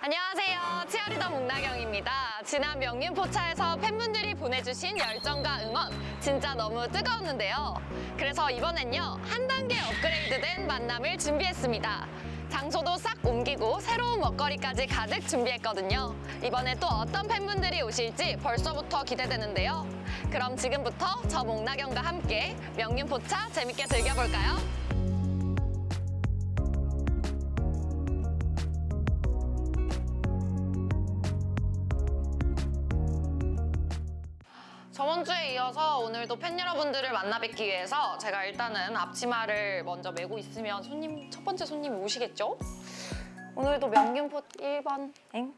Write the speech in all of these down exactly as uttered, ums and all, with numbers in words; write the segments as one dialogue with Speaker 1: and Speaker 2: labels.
Speaker 1: 안녕하세요. 치어리더 목나경입니다. 지난 명륜포차에서 팬분들이 보내주신 열정과 응원 진짜 너무 뜨거웠는데요. 그래서 이번엔요, 한 단계 업그레이드된 만남을 준비했습니다. 장소도 싹 옮기고 새로운 먹거리까지 가득 준비했거든요. 이번에 또 어떤 팬분들이 오실지 벌써부터 기대되는데요. 그럼 지금부터 저 목나경과 함께 명륜포차 재밌게 즐겨볼까요? 저번 주에 이어서 오늘도 팬 여러분들을 만나 뵙기 위해서 제가 일단은 앞치마를 먼저 메고 있으면 손님, 첫 번째 손님이 오시겠죠? 오늘도 명륜포 일 번 엥?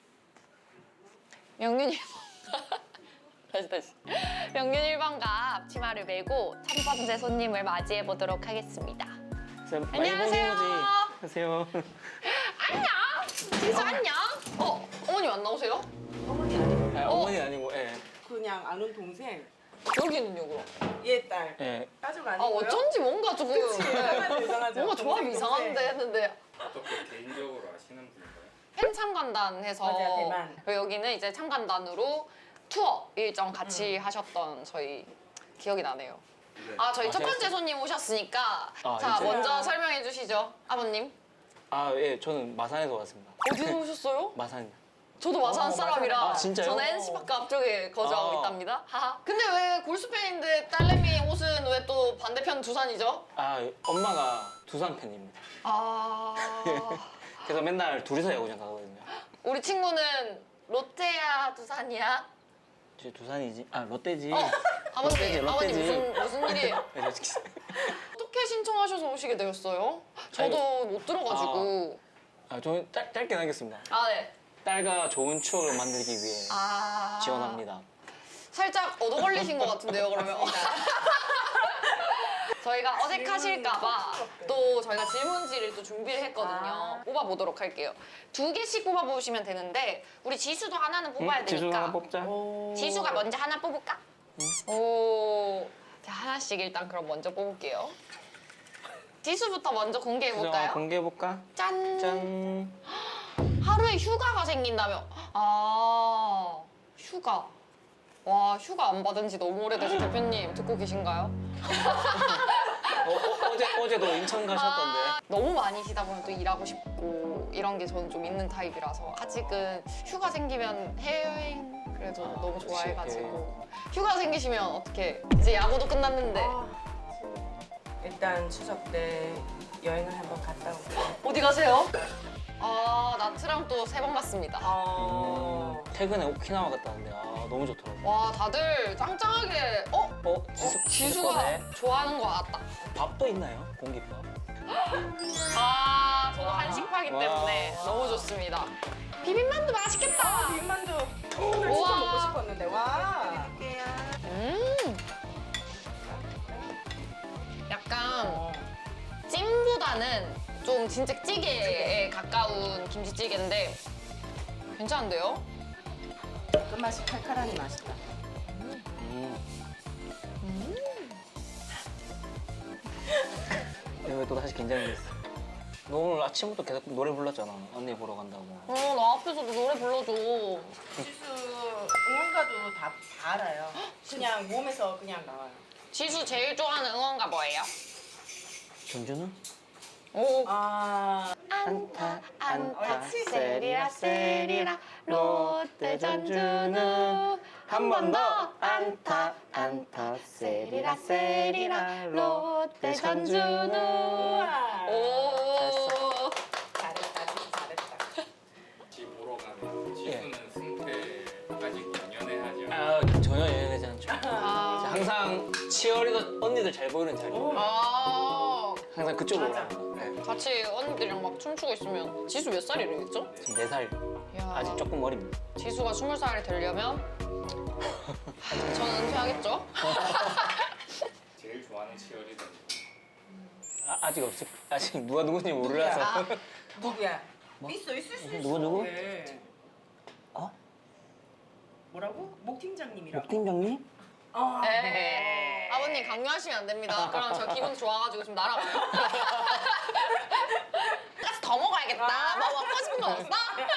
Speaker 1: 명륜 일 번 다시 다시 명륜 일 번가 앞치마를 메고 첫 번째 손님을 맞이해 보도록 하겠습니다. 안녕하세요.
Speaker 2: 안녕하세요.
Speaker 1: 안녕! 지수 안녕! 어? 어머님 안 나오세요?
Speaker 3: 어머니 아니고
Speaker 2: 아, 어머니 아니고, 예.
Speaker 3: 그냥 아는 동생
Speaker 1: 여기는요 그럼?
Speaker 3: 얘 딸.
Speaker 2: 예.
Speaker 3: 가족
Speaker 1: 아
Speaker 3: 아니고요?
Speaker 1: 어쩐지 뭔가 조금
Speaker 3: 이상하죠, 이상하죠.
Speaker 1: 뭔가 조합이
Speaker 3: 동생,
Speaker 1: 이상한데
Speaker 3: 동생.
Speaker 1: 했는데
Speaker 4: 어떻게 개인적으로 아시는 분인가요?
Speaker 1: 팬 참관단 해서
Speaker 3: 맞아요, 대만.
Speaker 1: 여기는 이제 참관단으로 투어 일정 같이 하셨던 저희 기억이 나네요.
Speaker 4: 네.
Speaker 1: 아 저희
Speaker 2: 아,
Speaker 1: 첫 번째
Speaker 2: 재밌어요.
Speaker 1: 손님 오셨으니까
Speaker 2: 아,
Speaker 1: 자
Speaker 2: 진짜요?
Speaker 1: 먼저 설명해 주시죠 아버님.
Speaker 2: 아, 예. 저는 마산에서 왔습니다.
Speaker 1: 어디서 오셨어요?
Speaker 2: 마산.
Speaker 1: 저도 마산
Speaker 3: 어,
Speaker 1: 사람이라
Speaker 2: 마산에. 아, 진짜요?
Speaker 1: 저는 엔씨파크 앞쪽에 거주하고
Speaker 2: 아.
Speaker 1: 있답니다. 하하. 근데 왜 골수팬인데 딸내미 옷은 왜 또 반대편 두산이죠?
Speaker 2: 아, 엄마가 두산 팬입니다.
Speaker 1: 아
Speaker 2: 그래서 맨날 둘이서 야구장 가거든요.
Speaker 1: 우리 친구는 롯데야 두산이야?
Speaker 2: 저 두산이지? 아, 롯데지.
Speaker 1: 어, 아버님,
Speaker 2: 롯데지,
Speaker 1: 아버님
Speaker 2: 롯데지.
Speaker 1: 무슨 무슨 일이에요?
Speaker 2: 네, 솔직히.
Speaker 1: 어떻게 신청하셔서 오시게 되었어요? 저도 못 들어가지고.
Speaker 2: 아, 저는 짧, 짧게 하겠습니다.
Speaker 1: 아, 네.
Speaker 2: 딸과 좋은 추억을 만들기 위해
Speaker 1: 아.
Speaker 2: 지원합니다.
Speaker 1: 살짝 얻어 걸리신 것 같은데요, 그러면? 저희가 어색하실까봐 또 저희가 질문지를 또 준비를 했거든요.
Speaker 3: 아.
Speaker 1: 뽑아보도록 할게요. 두 개씩 뽑아보시면 되는데, 우리 지수도 하나는 뽑아야
Speaker 2: 응? 지수
Speaker 1: 되니까.
Speaker 2: 하나 뽑자.
Speaker 3: 오.
Speaker 1: 지수가 먼저 하나 뽑을까? 오. 자, 하나씩 일단 그럼 먼저 뽑을게요. 지수부터 먼저 공개해볼까요?
Speaker 2: 지수 공개해볼까?
Speaker 1: 짠.
Speaker 2: 짠.
Speaker 1: 하루에 휴가가 생긴다며. 아, 휴가. 와, 휴가 안 받은 지 너무 오래돼서 대표님 듣고 계신가요?
Speaker 2: 어, 어, 어제, 어제도 인천 가셨던데.
Speaker 1: 아, 너무 많이 쉬다 보면 또 일하고 싶고 이런 게 저는 좀 있는 타입이라서 아직은 휴가 생기면 해외여행 그래도
Speaker 2: 아,
Speaker 1: 너무
Speaker 2: 그치,
Speaker 1: 좋아해가지고 휴가 생기시면 어떻게 이제 야구도 끝났는데
Speaker 3: 아, 일단 추석 때 여행을 한번 갔다 올게요.
Speaker 1: 어디 가세요? 아, 나트랑 또 세 번 갔습니다.
Speaker 3: 어.
Speaker 2: 음, 최근에 오키나와 갔다는데 아, 너무 좋더라고요.
Speaker 1: 와, 다들 짱짱하게 어?
Speaker 2: 어? 지수,
Speaker 1: 어, 지수가 좋아하는 거 알았다.
Speaker 2: 밥도 있나요? 공깃밥?
Speaker 1: 아, 저도 한식파기
Speaker 2: 와.
Speaker 1: 때문에 너무 좋습니다. 비빔만두 맛있겠다.
Speaker 3: 비빔만두 오늘 진짜
Speaker 1: 우와.
Speaker 3: 먹고 싶었는데 와.
Speaker 1: 음. 약간
Speaker 3: 어.
Speaker 1: 찜보다는 좀 진짜 찌개에 가까운 김치찌개인데 괜찮은데요?
Speaker 3: 끝맛이 칼칼하니 맛있다.
Speaker 2: 음. 이거 또 다시 긴장이 됐어. 너 오늘 아침부터 계속 노래 불렀잖아. 언니 보러 간다고.
Speaker 1: 어, 나 앞에서도 노래 불러줘.
Speaker 3: 지수 응원가도 다, 다 알아요. 그냥 몸에서 그냥 나와요.
Speaker 1: 지수 제일 좋아하는 응원가 뭐예요?
Speaker 2: 전주는?
Speaker 1: 오.
Speaker 3: 아.
Speaker 2: 안타 안타
Speaker 3: 옳지.
Speaker 2: 세리라 세리라 롯데 전주는 한 번 더 안타 안타 세리라 세리라 롯데 전주는.
Speaker 1: 오.
Speaker 3: 잘했다, 지수 잘했다.
Speaker 4: 같이 보러 가는 지수는 승패 아직 연연해하지 않아요.
Speaker 2: 아 전혀 연연하지 않죠.
Speaker 1: 아.
Speaker 2: 항상 치어리더 언니들 잘 보이는 자리.
Speaker 1: 아.
Speaker 2: 항상 그쪽으로
Speaker 3: 맞아.
Speaker 2: 가요. 네.
Speaker 1: 같이 언니들이랑 막 춤추고 있으면 지수 몇 살이랬죠?
Speaker 2: 지금 네 살.
Speaker 1: 야.
Speaker 2: 아직 조금 어립니다.
Speaker 1: 지수가 스물 살이 되려면 저는 은퇴하겠죠?
Speaker 4: 제일 좋아하는 치어리더.
Speaker 2: 아, 아직 없을 아직 누가 누군지 몰라서.
Speaker 3: 아, 누구야? 있어, 있을 수 있어.
Speaker 2: 누구, 누구?
Speaker 3: 왜?
Speaker 2: 어?
Speaker 3: 뭐라고? 목 팀장님이라고.
Speaker 2: 팀장님?
Speaker 3: 어.
Speaker 1: 네. 아버님 강요하시면 안 됩니다. 그럼 저 기분 좋아가지고 좀 날아가요. 가스 더 먹어요. 먹어야겠다. 뭐 먹고 싶은 거 없어?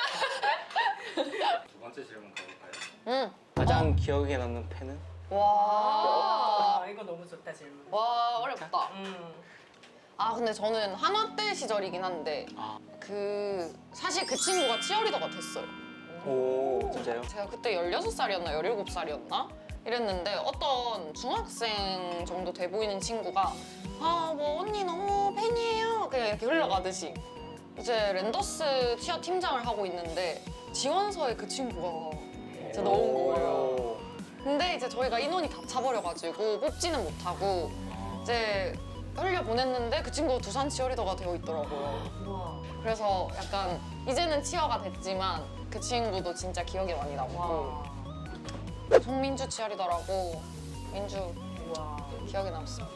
Speaker 4: 두 번째 질문 가볼까요?
Speaker 1: 응.
Speaker 2: 가장 기억에 남는 팬은?
Speaker 1: 와.
Speaker 3: 아, 이거 너무 좋다 질문.
Speaker 1: 와 어렵다.
Speaker 3: 음.
Speaker 1: 아 근데 저는 한화 때 시절이긴 한데
Speaker 2: 아.
Speaker 1: 그 사실 그 친구가 치어리더가 됐어요.
Speaker 2: 오, 진짜요?
Speaker 1: 제가 그때 열여섯 살이었나 열일곱 살이었나 이랬는데 어떤 중학생 정도 돼 보이는 친구가 아 뭐 언니 너무 팬이에요 그냥 이렇게 흘러가듯이 이제 랜더스 치어 팀장을 하고 있는데 지원서에 그 친구가 진짜 넣은 거예요. 근데 이제 저희가 인원이 다 차버려가지고 뽑지는 못하고 이제 흘려 보냈는데 그 친구가 두산 치어리더가 되어 있더라고요.
Speaker 3: 우와.
Speaker 1: 그래서 약간 이제는 치어가 됐지만 그 친구도 진짜 기억에 많이 남고
Speaker 3: 와.
Speaker 1: 송민주 치어리더라고 민주
Speaker 3: 우와.
Speaker 1: 기억에 남았어.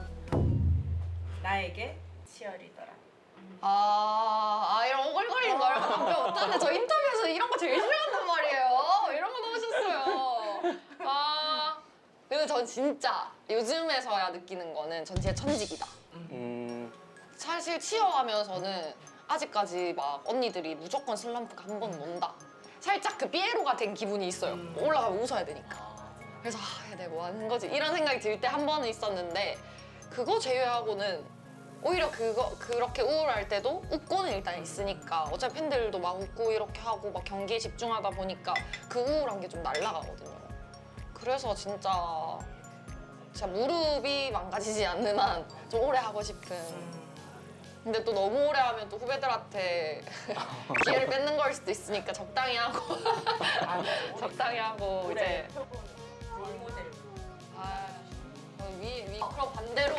Speaker 3: 나에게 치어리더라.
Speaker 1: 아, 아 이런 오글거리는 거 이런 거 답변 못하는데 저 인터뷰에서 이런 거 제일 싫어한단 말이에요. 이런 거 넣으셨어요. 아 근데 전 진짜 요즘에서야 느끼는 거는 전 진짜 천직이다.
Speaker 2: 음,
Speaker 1: 사실 치어하면서는 아직까지 막 언니들이 무조건 슬럼프가 한 번 온다. 살짝 그 삐에로가 된 기분이 있어요.
Speaker 3: 음.
Speaker 1: 올라가면 웃어야 되니까. 그래서 아, 내가 뭐 하는 거지? 이런 생각이 들 때 한 번은 있었는데 그거 제외하고는 오히려 그거 그렇게 우울할 때도 웃고는 일단 있으니까 어차피 팬들도 막 웃고 이렇게 하고 막 경기에 집중하다 보니까 그 우울한 게 좀 날아가거든요. 그래서 진짜 진짜 무릎이 망가지지 않는 한 좀 오래 하고 싶은. 근데 또 너무 오래 하면 또 후배들한테 기회를 뺏는 걸 수도 있으니까 적당히 하고 적당히 하고
Speaker 3: 올해
Speaker 1: 이제
Speaker 3: 표본 롤모델.
Speaker 1: 아, 위, 위, 그럼 반대로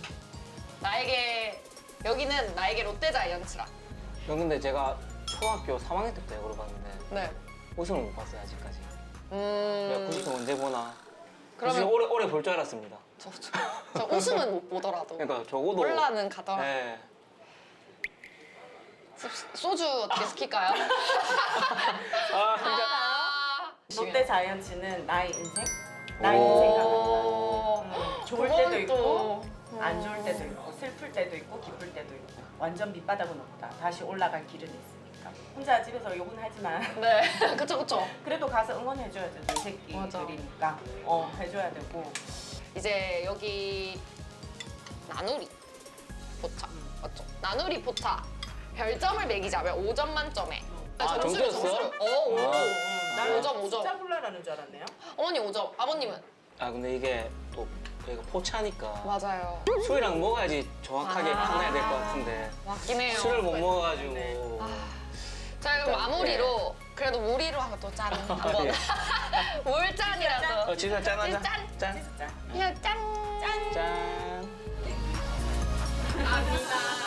Speaker 1: 나에게 여기는 나에게 롯데 자이언츠라.
Speaker 2: 형 근데 제가 초등학교 삼 학년 때부터 야구를 봤는데
Speaker 1: 네.
Speaker 2: 우승을 못 봤어요 아직까지. 내가
Speaker 1: 음.
Speaker 2: 구십 언제 보나?
Speaker 1: 그러면-
Speaker 2: 그러면 오래 오래 볼 줄 알았습니다.
Speaker 1: 저, 저, 저 우승은 못 보더라도
Speaker 2: 그러니까 적어도
Speaker 1: 올라는 가더라도.
Speaker 2: 네.
Speaker 1: 소주 어떻게 시킬까요?
Speaker 2: 아 진짜.
Speaker 1: 아.
Speaker 3: 롯데 자이언츠는 나의 인생? 나의
Speaker 2: 오.
Speaker 3: 인생 같다.
Speaker 1: 오.
Speaker 3: 음, 좋을
Speaker 1: 그건
Speaker 3: 때도 있고
Speaker 1: 또-
Speaker 3: 안 좋을 때도 있고 슬플 때도 있고 기쁠 때도 있고 완전 밑바닥은 없다. 다시 올라갈 길은 있으니까. 혼자 집에서 욕은 하지만
Speaker 1: 네, 그쵸 그쵸.
Speaker 3: 그래도 가서 응원해줘야죠. 내 새끼들이니까 어 해줘야 되고.
Speaker 1: 이제 여기 나누리 포차 맞죠? 나누리 포차 별점을 매기자면 오 점 만점에
Speaker 2: 아,
Speaker 1: 점수를
Speaker 2: 점수였어?
Speaker 1: 점수를 어, 오.
Speaker 2: 아.
Speaker 3: 나는
Speaker 1: 오 점, 오 점.
Speaker 3: 숫자 골라라는 줄 알았네요.
Speaker 1: 어머니 오 점, 아버님은?
Speaker 2: 아 근데 이게 또 저희가 포차니까
Speaker 1: 맞아요.
Speaker 2: 술이랑 먹어야지 정확하게
Speaker 1: 아.
Speaker 2: 판단해야 될 것 같은데
Speaker 1: 맞긴 해요.
Speaker 2: 술을 못 먹어가지고
Speaker 3: 네.
Speaker 1: 자 그럼 마무리로 그래도 무리로 한번 또 짠 한번
Speaker 2: 예.
Speaker 1: 물짠이라도
Speaker 2: 어, 진짜 짠하자.
Speaker 1: 짠.
Speaker 2: 짠.
Speaker 3: 진짜.
Speaker 1: 그냥 짠.
Speaker 2: 짠.
Speaker 1: 감사합니다.